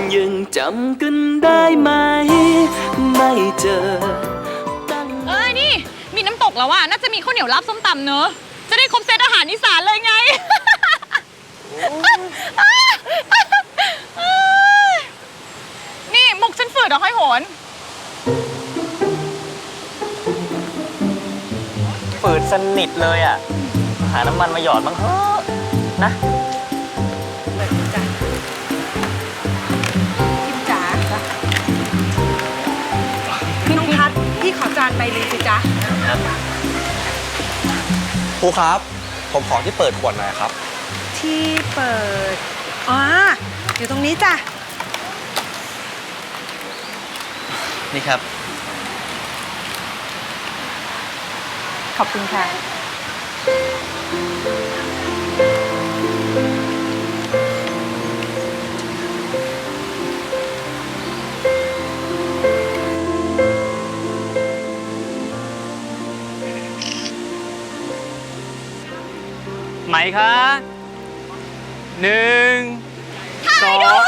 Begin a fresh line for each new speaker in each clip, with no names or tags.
ยังจำกันได้ไหมไม่เจอ
นี่มีน้ำตกแล้วอะน่าจะมีข้าวเหนียวลาบส้มตำเนอะจะได้ครบเซตอาหารอีสานเลยไง นี่มุกฉันฝืดเหรอค่อยโหน
ฝืดสนิทเลยอ่ะหาน้ำมันมาหยอดบ้างเถอะนะ
พิมจ๋าน้องทัศน์พี่ขอจานใบนึงสิจ๊ะ
ครูครับ ผมขอที่เปิดขวดหน่อยครับ
ที่เปิดอ๋ออยู่ตรงนี้จ้ะ
นี่ครับ
ขอบคุณค่ะ
ไหมคะ1 2
มาเลย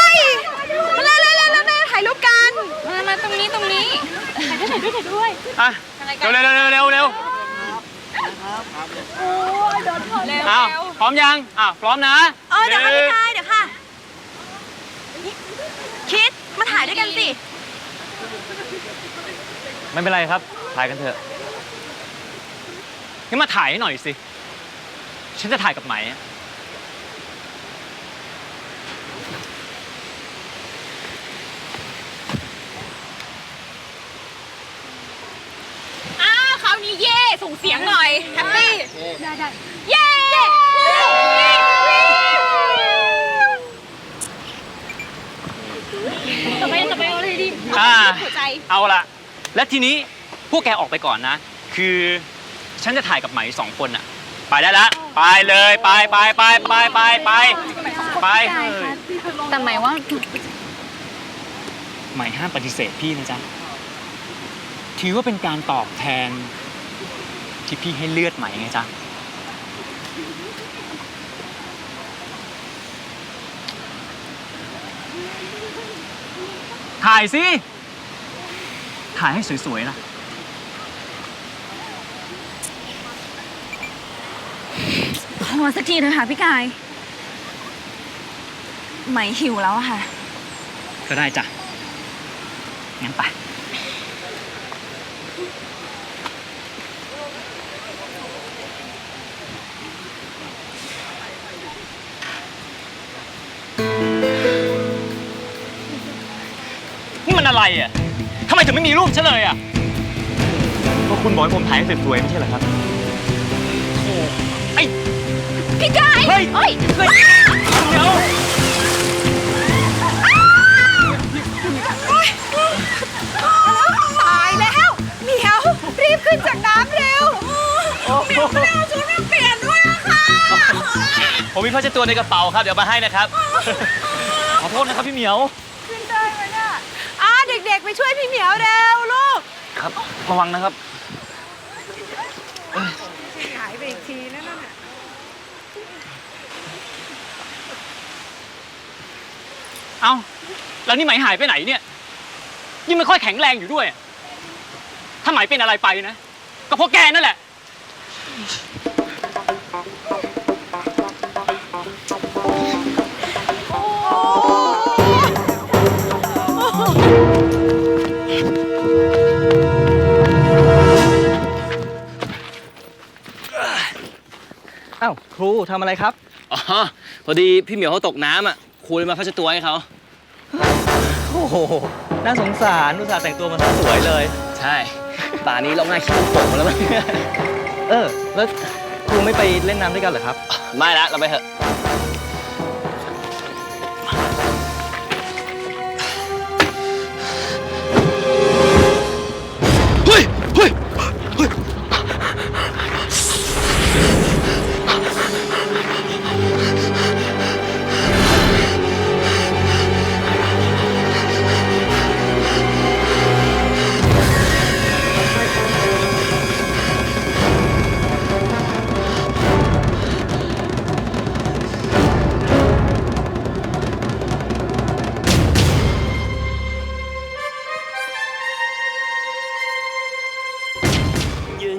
ถ่ายรูปกัน
มาตรงนี้ถ่ายด้วย
อ่ะเร็วอ้าวพร้อมยังพร้อมนะ
เดี๋ยวค่ะพี่ชายเดี๋ยวค่ะคิดมาถ่ายด้วยกันสิ
ไม่เป็นไรครับถ่ายกันเถอะงั้นมาถ่ายให้หน่อยสิฉันจะถ่ายกับไหม
คราวนี้เย่ส่งเสียงหน่อยแฮปปี้ได้เย่ต่อไปเอาเลยดิหัวใจ
เอาละและทีนี้พวกแกออกไปก่อนนะคือฉันจะถ่ายกับไหม2 คนอะไปได้ละไปเลยไป
แต่หมายว่า
ไหมห้ามปฏิเสธพี่นะจ๊ะถือว่าเป็นการตอบแทนที่พี่ให้เลือดไหมไงจ๊ะถ่ายสิถ่ายให้สวยๆนะ
ขอสักทีเถอะค่ะพี่กายไหมหิวแล้วอะค่ะ
ก็ได้จ้ะงั้นไปนี่มันอะไรอ่ะทำไมถึงไม่มีรูปฉันเลยอ่ะก็คุณบอกให้ผมถ่ายให้สวยๆไม่ใช่เหรอครับโอ้ไอ้
พี่กาย
เฮ้ยเดี๋ยว
ตายแล้วเหมียวรีบขึ้นจากน้ำเร็วเหมียวไม่ได้เอาชุดมาเปลี่ยนด้วยอะค่ะ
ผมมีผ้าเช็ดตัวในกระเป๋าครับเดี๋ยวมาให้นะครับขอโทษนะครับพี่เหมียว
ขึ้นได้ไหมเนี่ยเด็กๆไปช่วยพี่เหมียวเร็วลูก
ครับระวังนะครับ
หายไปอีกทีนั่นน่ะ
เอ้าแล้วนี่ไหมหายไปไหนเนี่ยยังไม่ค่อยแข็งแรงอยู่ด้วยถ้าไหมเป็นอะไรไปนะก็เพราะแกนั่นแหละ
อ้าวครูทำอะไรครับ
อ๋อพอดีพี่เหมียวเขาตกน้ำครูเลยมาพัชตัวให้เขา
โอ้โหน่าสงสารอุตส่าห์แต่งตัวมาสวยเลย
ใช่ป่านี้เราง่ายขี้มันโป่งแล้วมั้ง
แล้วครูไม่ไปเล่นน้ำด้วยกันเหรอครับ
ไม่ละเราไปเถอะเฮ้ย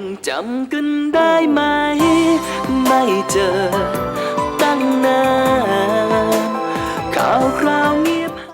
จำกันได้ไหม ไม่เจอ